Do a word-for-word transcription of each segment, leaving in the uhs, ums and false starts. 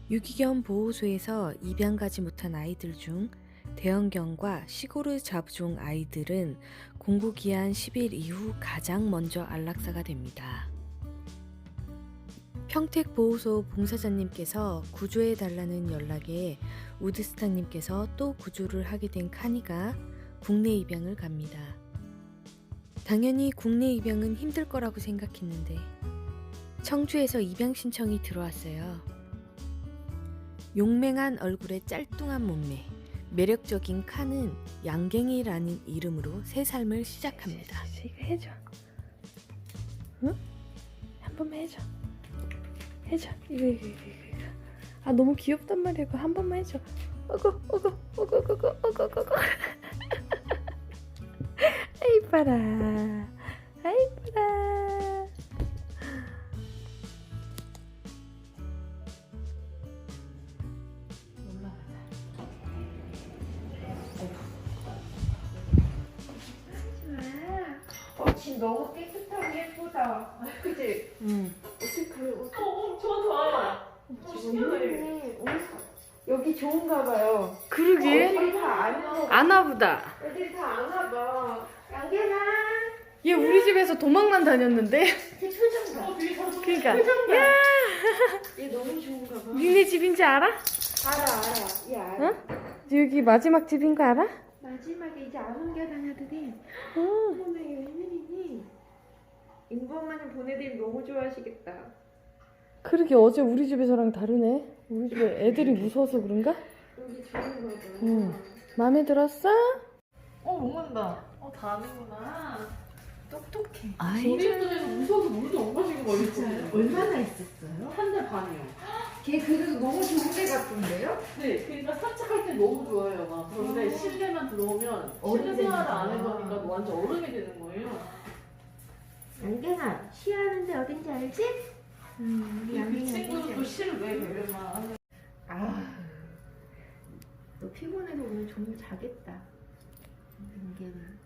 유기견 보호소에서 입양 가지 못한 아이들 중 대형견과 시골의 잡종 아이들은 공구기한 십 일 이후 가장 먼저 안락사가 됩니다. 평택보호소 봉사자님께서 구조해달라는 연락에 우드스타님께서 또 구조를 하게 된 카니가 국내 입양을 갑니다. 당연히 국내 입양은 힘들 거라고 생각했는데 청주에서 입양 신청이 들어왔어요. 용맹한 얼굴에 짤뚱한 몸매, 매력적인 칸은 양갱이라는 이름으로 새 삶을 시작합니다. 이거 해줘. 응? 한 번만 해줘. 해줘. 이거 이거 이거 이거. 아 너무 귀엽단 말이야. 이거 한 번만 해줘. 어구 어구 어구 어구 어구 어구 어구. 아이 봐라. 아이 봐라. 어, 집 너무 깨끗하고 예쁘다. 그치? 응. 어떻게 그래? 어떻게 어, 좋아, 좋아. 지금 여기 여기 좋은가 봐요. 그러게. 애들이 다 아는 아나보다. 애들이 다 아나 봐. 양갱아. 얘 우리 집에서 도망만 다녔는데. 제 표정 봐. 어, 되게 잘 써. 그러니까. 표정 봐. 야, 얘 너무 좋은가 봐. 니네 집인지 알아? 알아 알아. 얘 알아. 응? 여기 마지막 집인 거 알아? 마지막에 이제 안 옮겨다녀들이. 응. 어머나 얘 웬일이니? 인범만을 보내드리면 너무 좋아하시겠다. 그러게 어제 우리 집에서랑 다르네. 우리 집에 애들이 무서워서 그런가? 여기 좋은가 봐. 응. 마음에 들었어? 어, 먹는다. 어, 다 아는구나. 똑똑해. 아이. 우리 집에서 무서워서 물도 못 마시고 말했거든요. 얼마나 있었어요? 한 달 반이요. 걔 그래도 너무 좋은 데 같던데요? 네, 그러니까 산책할 때 너무 좋아해요. 막. 그런데 어. 실내만 들어오면 어른 실내 생활을 안 되는구나. 해보니까 완전 어른이 되는 거예요. 양갱아, 쉬하는데 어딘지 알지? 음, 우리 그 양갱이 친구도 어딘지 또 알지? 실을 왜 배려만. 아, 너 피곤해서 오늘 좀 자겠다. 양갱아.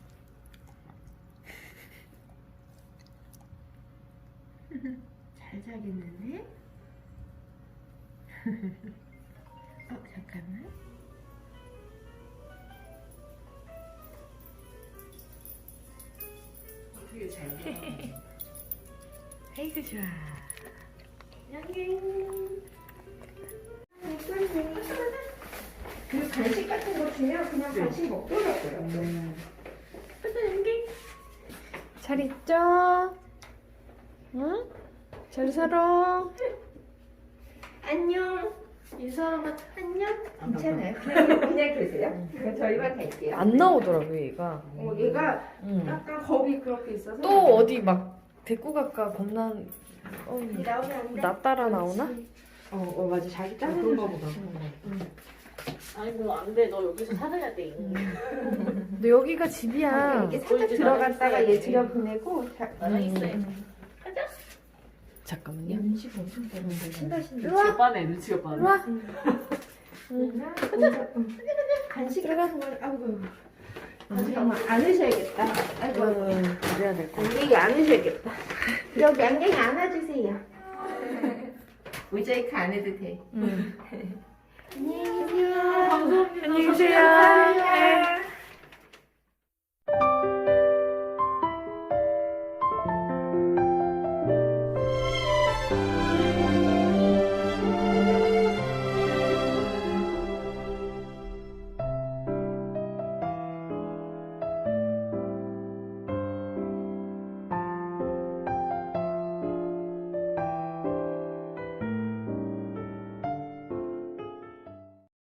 잘 자겠는데? 어, 잠깐만. 되게 잘 자. 아이고 좋아. 양갱. 그 간식 같은 거 주면 그냥 네. 간식 먹더라고요. 음. 잘 있죠? 응? 잘 살아. 안녕. 인사하면 안녕. 괜찮아요. 그냥, 그냥 계세요. 그럼 저희만 갈게요. 안 나오더라고 얘가. 어, 얘가 응. 약간 겁이 그렇게 있어서. 또 어디 막 데리고 갈까 겁나. 어, 이 나오면 안 돼. 나 따라 나오나? 어, 어 맞아. 자기 따라 그런가 보다. 응. 아니, 뭐, 안 돼. 너 여기서 살아야 돼. 근데 여기가 집이야. 이렇게 살짝 이제 들어갔다가 나는 얘 있어야지. 들여보내고. 자, 나랑 있어요. 음. 잠깐만요. 연식 엄청 되는데. 신다 신다. 눈치가 빠네, 눈치가 빠네. 일로 와. 응. 간식 들어가. 같은 걸 아이고. 잠깐만 안으셔야겠다. 아이고. 응, 그래야 될 것 같아. 양갱이 안으셔야겠다. 여기 양갱이 안아주세요. 모자이크 안 해도 돼. 응. 안녕히 계세요. 감사합니다. 안녕히 계세요. 감사합니다.